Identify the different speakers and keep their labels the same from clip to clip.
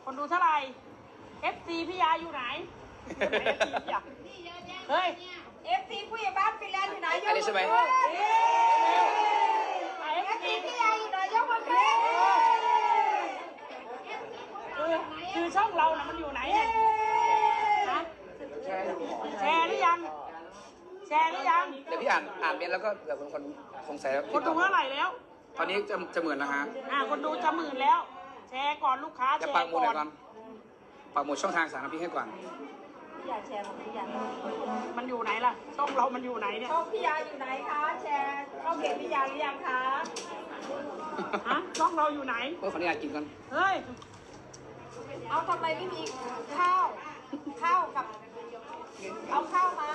Speaker 1: คนดูเท่าไหร่ FC พี่ยาอยู่ไหนเฮ้ย
Speaker 2: FC ผู้ใหญ่บ้านฟินแลนด์อยู่ไหนยกมือ
Speaker 3: ใช่ไหม
Speaker 2: FC พี่ยาอยู่ไหนยกมือขึ้น
Speaker 1: คือช่องเรานะมันอยู่ไหนเนี่ยฮะแชร์หรือยังแชร์หรือยัง
Speaker 3: เดี๋ยวพี่อ่านเมนแล้วก็เดี๋ยวคนสงสัยแล้ว
Speaker 1: คนดูเท่าไหร่แล้ว
Speaker 3: ตอนนี้จะหมื่นแล้วฮะ
Speaker 1: คนดูจะ10,000แล้ว แชร์ก่อนลูกค้า
Speaker 3: จะ
Speaker 1: แช
Speaker 3: ปัก
Speaker 1: ร์
Speaker 3: หมุด
Speaker 1: ก่
Speaker 3: หน่
Speaker 1: อ
Speaker 3: อยก่อน นปักหมุดช่องทางสารพิษให้ก่อน
Speaker 2: อย่าแชร์ของพี่ยา
Speaker 1: มันอยู่ไหนล่ะ ช่องเรามันอยู่ไหนเนี่ย
Speaker 2: ช่องพี่ยาอยู่ไหนคะแชร์ช่องเพจพี่ยาหรือยังคะ
Speaker 1: ฮะช่องเราอยู่ไหน
Speaker 3: เพื่อขออนุญาตกินก่อน
Speaker 1: เฮ้ย
Speaker 2: เอาทำไมไม่มีข้าวกับเอาข้าวมา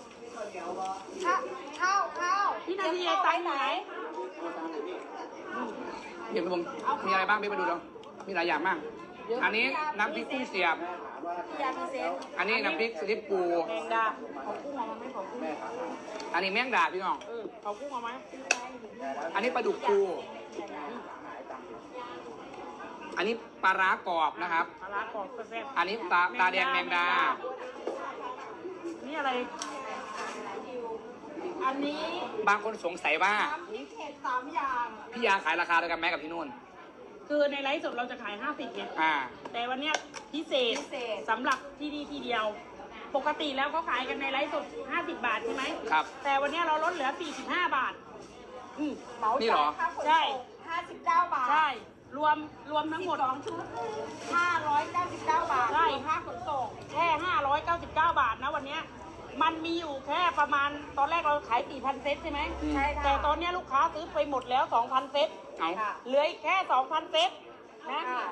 Speaker 2: ข้าว
Speaker 1: พี่นาทีไอ้ตังอยู่ไหน
Speaker 3: เดี๋ยวผมมีอะไรบ้างพี่ไปดูแล้วมีหลายอย่างมาก อันนี้น้ำพริกกุ้งเสียบ
Speaker 2: พี่ยามีเซน
Speaker 3: อันนี้น้ำพริกสลิปปู
Speaker 1: แมงดาเขากุ้งเอามาไหมเขากุ้ง
Speaker 3: อันนี้แมงดาพี่น้อง
Speaker 1: เขากุ้งเอาไหม
Speaker 3: อันนี้ปลาดุกปูอันนี้ปลาร้ากรอบนะครับ
Speaker 1: ปลาร้ากรอบแซ่บ
Speaker 3: อันนี้ตาแดงแมงดา
Speaker 1: นี่อะไร
Speaker 2: อันนี้
Speaker 3: บางคนสงสัยว่า
Speaker 2: น้ำพริกเผ็ด3 อย่าง
Speaker 3: พี่ยาขายราคาเดียวกันไหมกับพี่นุ่น
Speaker 1: คือในไลฟ์สดเราจะขาย50ไง
Speaker 3: อ่า
Speaker 1: แต่วันเนี้ยพิเศษสำหรับที่นี่ทีเดียว ปกติแล้วเขาขายกันในไลฟ์สด50 บาทใช่ไหม
Speaker 3: ครับ
Speaker 1: แต่วันเนี้ยเราลดเหลือ45 บาท
Speaker 2: เหมา
Speaker 3: นี่เหร
Speaker 2: จ่า
Speaker 3: อ
Speaker 2: ยค่าขน
Speaker 1: ใช่
Speaker 2: ส่ง59 บาท
Speaker 1: ใช่ รวมทั้งหมด
Speaker 2: 12 ชุด599 บาท
Speaker 1: ใช่
Speaker 2: รวมค่าขนส่ง
Speaker 1: แค่599 บาทนะวันเนี้ยมันมีอยู่แค่ประมาณตอนแรกเราขาย 4,000 เซตใช่ไหม
Speaker 2: ใช่ค่ะ
Speaker 1: แต่ตอนเนี้ยลูกค้าซื้อไปหมดแล้ว 2,000 เซต
Speaker 3: เอา
Speaker 2: ค่ะ
Speaker 1: เหลืออีกแค่ 2,000 เซตนะ
Speaker 2: ค่ะ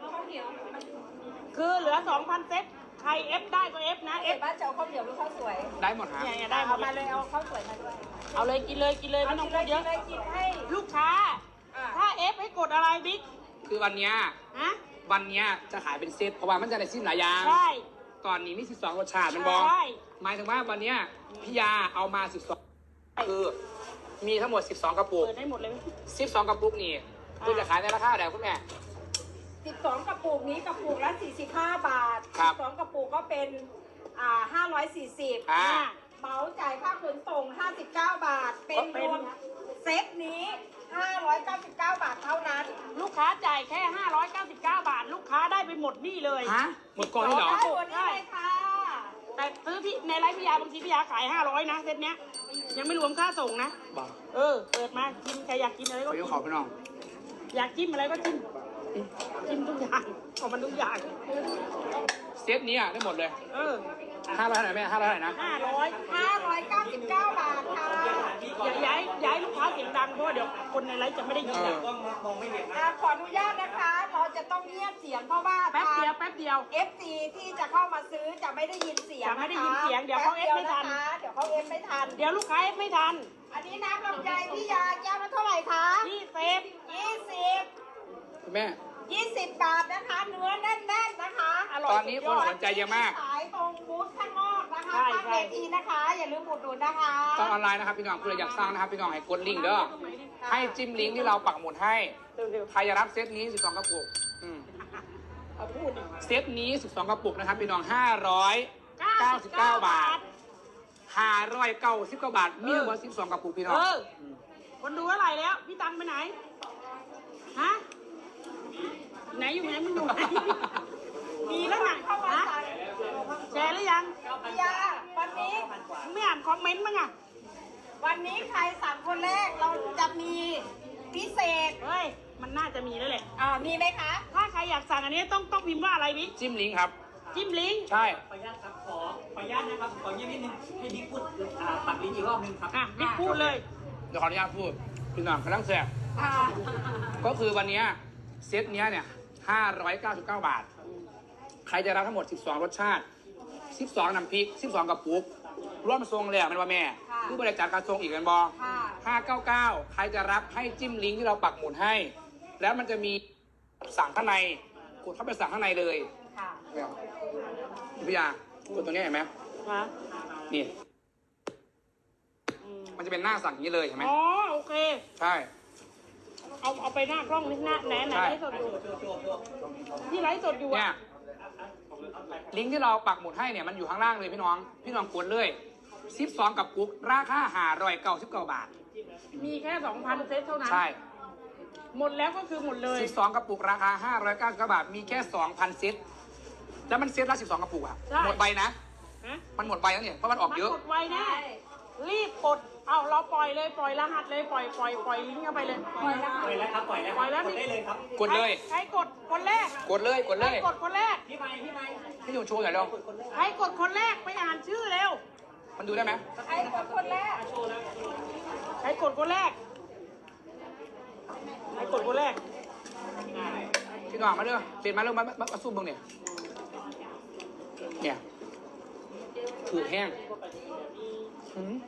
Speaker 1: คือเหลือ 2,000 เซตใครเอฟได้ก็เอฟนะเอ
Speaker 2: เอ็
Speaker 1: ฟ
Speaker 2: ดบ้านจะเอาข้าวเหนียวหรือข้าวสวย
Speaker 3: ได้หมดฮะ
Speaker 1: เนี่ยได้หม
Speaker 2: เอา
Speaker 1: ด
Speaker 2: มา
Speaker 1: เล
Speaker 2: เลย ยเอาข้าวสวยมาด้วย
Speaker 1: เอาเลยกินเลยกินเลยไม่ต้องพูดเยอะ
Speaker 2: กินให้
Speaker 1: ลูกค้า
Speaker 2: อ่ะ
Speaker 1: ถ้าเอฟให้กดอะไรบิ๊ก
Speaker 3: คือวันเนี้ย
Speaker 1: ฮะ
Speaker 3: วันเนี้ยจะขายเป็นเซตเพราะว่ามันจะได้ซิมหลายอย่าง
Speaker 1: ใช่
Speaker 3: ก่อนนี้มี 12 รสชาติมันบอก
Speaker 1: ใช่
Speaker 3: หมายถึงว่าวันเนี้ยพี่ยาเอามา 12 คือมีทั้งหมด 12 กระปุก
Speaker 1: เปิดได้หมดเลยไหม
Speaker 3: 12 กระปุกนี่คือจะขายในราคาเดียวคุณแม่
Speaker 2: 12 กระปุกนี้กระปุกละ45 บาท
Speaker 3: ครับ
Speaker 2: 12 กระปุกก็เป็น540
Speaker 3: อ่า
Speaker 2: เหมาจ่ายค่าขนส่ง59 บาท เป็นรวมเซตนี้599 บาทเท่านั้น
Speaker 1: ลูกค้าจ่ายแค่ 599 บาท ลูกค้าได้ไปหมดนี่เลย
Speaker 3: ฮะหมดก่อนนี่เหรอ
Speaker 2: ได้หมดนี่เลยค่ะ
Speaker 1: แต่ซื้อที่ในไลฟ์พิยาบางทีพิยาขาย500นะเซตเนี้ยยังไม่รวมค่าส่งนะ
Speaker 3: บอก
Speaker 1: เปิดมากินใครอยากกินอะไร
Speaker 3: ข
Speaker 1: ก็
Speaker 3: อ
Speaker 1: กิ
Speaker 3: ย
Speaker 1: น
Speaker 3: กขอพี่น้อง
Speaker 1: อยากจิ้มอะไรก็จิ้มจิ้มทุกอย่างของมันทุกอย่าง
Speaker 3: เซตนี้อะได้หมดเลย 500 เท่าไหร่แม่500 เท่าไหร่นะ
Speaker 1: 500
Speaker 2: 599 บาทค่ะ
Speaker 1: ย้ายลูกค้าเสียงดังเพราะว่าเดี๋ยวคนในไลฟ์จะไม่ได้ยินนะ
Speaker 2: ขออนุญาตนะคะ เราจะต้องเงียบเสียงเพราะว่า
Speaker 1: แป๊บเดียวแป๊บเดียว
Speaker 2: FC ที่จะเข้ามาซื้อจะไม่ได้ยินเสียง
Speaker 1: จะไม่ได้ยินเสียงเดี๋ยวเขา
Speaker 2: แป๊บ
Speaker 1: F ไม่ทัน
Speaker 2: ะคะเดี๋ยวเขาเอฟไม่ทัน
Speaker 1: เดี๋ยวลูกค้าเอฟไม่ทัน
Speaker 2: อันนี้น้ำลำไยพี่ยาแก้วละเท่าไหร่คะ
Speaker 1: ที่เซฟ
Speaker 2: 20
Speaker 3: คุณแม่
Speaker 2: 20 บาทนะคะ เนื้อแน่นๆนะคะ
Speaker 1: อร่อย
Speaker 3: ตอนนี้คนสนใจเยอะมาก
Speaker 2: ขายตรงบูธข้างนอกนะคะ
Speaker 1: ใช่
Speaker 2: ข้าง
Speaker 1: ใช่
Speaker 2: เวทีนะคะ อย่าลืมอุดหนุนนะคะ
Speaker 3: ตอนออนไลน์นะครับพี่น้องคุณอยากสร้างนะครับพี่น้องให้กดลิงก์เด้อให้จิ้มลิงก์ที่เราปักหมุดให้
Speaker 1: เร็ว
Speaker 3: ใครจะรับเซตนี้ 12 กระปุก
Speaker 1: ๆเอาพูดดิ
Speaker 3: เซตนี้ 12 กระปุกนะครับพี่น้อง 599 บาท599 บาท มีทั้งหมด12 กระปุกพี่น้อง
Speaker 1: คนดูเท่าไหร่แล้ว พี่ตังไปไหน ฮะ ไหนอยู่ไหนมึงอยู่ไหน มีแล้วหนัก
Speaker 2: เข้ามา
Speaker 1: ฮะ
Speaker 2: สั่ง
Speaker 1: แชร์หรือยัง
Speaker 2: พี่ยาวันนี้
Speaker 1: มึงไม่อ่านคอมเมนต์มั้งอ่ะ
Speaker 2: วันนี้ใครสั่งคนแรกเราจะมีพิเศษ
Speaker 1: เฮ้ย มันน่าจะมีแล้วแหละ
Speaker 2: มีไหมคะ
Speaker 1: ถ้าใครอยากสั่งอันนี้ต้องพิมพ์ว่าอะไรบิ๊ก
Speaker 3: จิ้มลิงก์ครับ
Speaker 1: จิ้มลิงก์
Speaker 3: ใช่
Speaker 4: ขออนุญาตครับขออนุญาตนะครับขอเงียบนิดนึงให้บิ๊กพูดปัดลิ้นอีกรอบนึงครับ
Speaker 1: อ่ะบิ๊กพูดเลย
Speaker 3: เดี๋ยวขออนุญาตพูด พี่น้องกำลังแสบก็คือวันเนี้ยเซตเนี้ยเนี่ย 599 บาท ใครจะรับทั้งหมด 12 รสชาติ 12 น้ำพริก 12 กระปุก ร่วมทรงแล้วมันว่าแม่
Speaker 2: ค่ะ
Speaker 3: ผู้บริจาคการทรงอีกกันบอ
Speaker 2: ค่ะ
Speaker 3: 599 ใครจะรับให้จิ้มลิงก์ที่เราปักหมุดให้ แล้วมันจะมีสั่งข้างในกดเข้าไปสั่งข้างในเลย
Speaker 2: ค่ะ
Speaker 3: เนี่ยพี่ยากดตัวเนี้ยเห็นไหม
Speaker 1: ฮะ
Speaker 3: นี่ มันจะเป็นหน้าสั่งอย่างนี้เลยเห็นไหม
Speaker 1: อ๋อ โอเค
Speaker 3: ใช่
Speaker 1: เอาไปหน้ากล้องนี่หน้าไหนไลฟ์สดอยู่ที่ไลฟ์สดอยู่
Speaker 3: เนี่
Speaker 1: อ่ะ
Speaker 3: ยลิงก์ที่เราปักหมุดให้เนี่ยมันอยู่ข้างล่างเลยพี่น้องกดเลย12กับกุ๊กราคา599 บาท
Speaker 1: มีแค่ 2,000 เซตเท่านั้น
Speaker 3: ใช่
Speaker 1: หมดแล้วก็คือหมดเลย
Speaker 3: 12กระปุกราคา599 บาทมีแค่ 2,000 เซตแล้วมันเซตละ12กระปุกอะ
Speaker 1: ใช่
Speaker 3: หมดไปนะ
Speaker 1: ฮะ
Speaker 3: มันหมดไปแล้วเนี่ยเพราะมันออกเยอะ
Speaker 1: มันกดไวแน่รีบกดเอาเราปล่อยเลยปล่อยรหัสเลยปล่อยลิงก์เข้าไปเลยปล่อยรหัส
Speaker 4: ปล่อยแล้วครับปล่อยแล้ว
Speaker 1: ปล่อยแล้ว
Speaker 4: กดได้เลยครับ
Speaker 3: กดเลย
Speaker 1: ใครกดคนแรก
Speaker 3: กดเลย
Speaker 1: ใครกดคนแรก
Speaker 4: พี่ไม้
Speaker 3: พี่หนูโชว์หน่อยเร็ว
Speaker 1: ใครกดคนแรกไปอ่านชื่อเร็ว
Speaker 3: มันดูได้ไหม
Speaker 2: ใครกดคนแรก
Speaker 1: ใครกดคนแรกใครกดคนแรก
Speaker 3: พี่หน้องมาเร็วเปลี่ยนมาเร็วมาสู้มึงเนี่ยเนี่ยถือแห้งอืม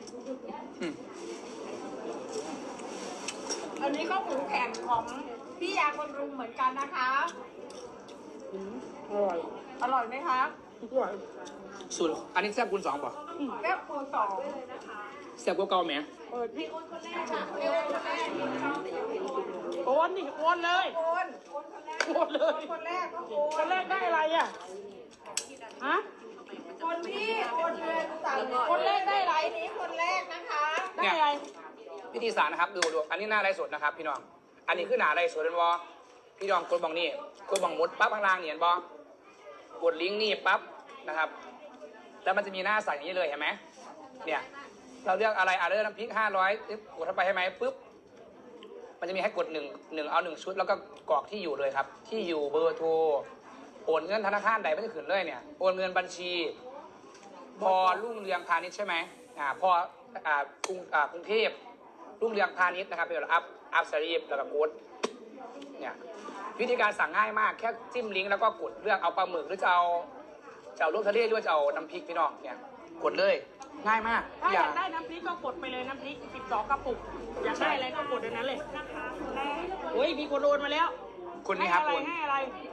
Speaker 2: อันนี้ก็หมูแข็งของพี่ยาคนรุมเหมือนกันนะคะ
Speaker 1: อร่อย
Speaker 2: อร่อยไหมคะ
Speaker 1: อร่อย
Speaker 3: สูตรอันนี้แซ่บคูณ2ป่ะ
Speaker 2: แก้วปูสอง
Speaker 3: แซ่บกว่าเก่าไหม
Speaker 1: เปิดพี่
Speaker 2: เอวคนแรก
Speaker 1: โอนนี่โอนเลย
Speaker 2: โอน
Speaker 1: โอนเลย
Speaker 2: คนแรกก็โอ
Speaker 1: คน นแรกได้อะไรอ่ะฮะ
Speaker 2: คนที่โอนเงินสั่งคนแรกได้ไรนี้คนแรกนะคะ
Speaker 1: ได้อะไร
Speaker 3: วิธีสารนะครับดูอันนี้หน้าไรสดนะครับพี่น้องอันนี้คือหน้าไรสดเป็นวอพี่น้องกดบังนี่กดบังมุดปั๊บข้างล่างเนี่ยเห็นบอกดลิงก์นี่ปั๊บนะครับแล้วมันจะมีหน้าใส่อย่างนี้เลยเห็นไหมเนี่ยเราเลือกอะไรเลือกน้ำพริก500กดเข้าไปให้ไหมปุ๊บมันจะมีให้กดหนึ่งเอา1 ชุดแล้วก็กรอกที่อยู่เลยครับที่อยู่เบอร์โทรโอนเงินธนาคารใดไม่ได้ขึ้นเลยเนี่ยโอนเงินบัญชีพอรุ่งเรืองพาณิชย์ใช่ไหมพอกรุงเทพรุ่งเรืองพาณิชย์นะครับเป็นอัพสรีฟแล้วก็กดเนี่ยวิธีการสั่งง่ายมากแค่จิ้มลิงก์แล้วก็กดเลือกเอาปลาหมึกหรือจะเอาลูกทะเลหรือว่าจะเอาน้ำพริกพี่น้องเนี่ยกดเลยง่ายมาก
Speaker 1: ถ้าอยากได้น้ำพริกก็กดไปเลยน้ำพริก12 กระปุก อยากได้อะไรก็กดอันนั้นเลยโอ้ยมีคนโอนมาแล้ว
Speaker 3: คนนี้ครับ
Speaker 1: ให้
Speaker 3: โอ
Speaker 1: อะไร
Speaker 3: น
Speaker 1: ให้อะไร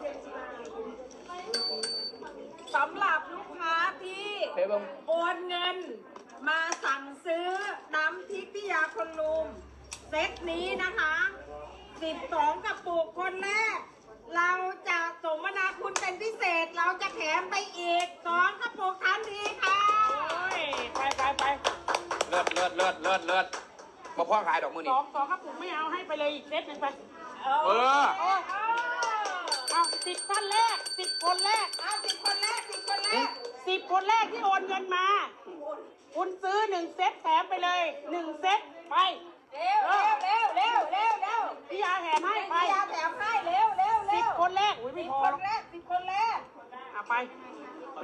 Speaker 2: สำหรับลูกค้าที่
Speaker 3: เดี๋ยวเบิ่ง
Speaker 2: โอนเงินมาสั่งซื้อน้ำพริกพี่ยาคนลุมเซตนี้นะคะ12กระปุกคนแรก เราจะสมนาคุณเป็นพิเศษ เราจะแถมไปอีก2กระปุกทันทีค่ะ
Speaker 1: โอ้ยไป
Speaker 3: เลิศมาพ่อขายดอกมือ
Speaker 1: ส
Speaker 3: นี่
Speaker 1: องกระปุกไม่เอาให้ไปเลยอีกเซตหนึ่งไป
Speaker 3: เออ
Speaker 1: เอา10 ท่านแรก10 คนแรก
Speaker 2: เอา10 คนแรก10 คนแรก
Speaker 1: 10 คนแรกที่โอนเงินมา คุณซื้อ1 เซตแถมไปเลย1 เซตไป
Speaker 2: เร็วเร็วเร็วเร็วเร็วเร็ว
Speaker 1: พี่ยาแถมให้ไป
Speaker 2: พี่ยาแถมให้เร็วเร็วเร็ว
Speaker 1: 10 คนแรกอุ้ยไม่
Speaker 2: 10
Speaker 1: พอ
Speaker 2: คนแรก10 คนแรก
Speaker 1: อ่ะไป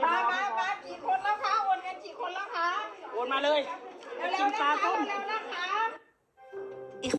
Speaker 2: มากี่คนแล้วคะโอนเงินกี่คนแล้วคะ
Speaker 1: โอนมาเลย
Speaker 2: เร็ว
Speaker 1: กิ
Speaker 2: ๆ
Speaker 1: น
Speaker 2: นะ
Speaker 1: ปลา
Speaker 2: คะ
Speaker 1: ต้ม
Speaker 2: เร็วๆนะคะ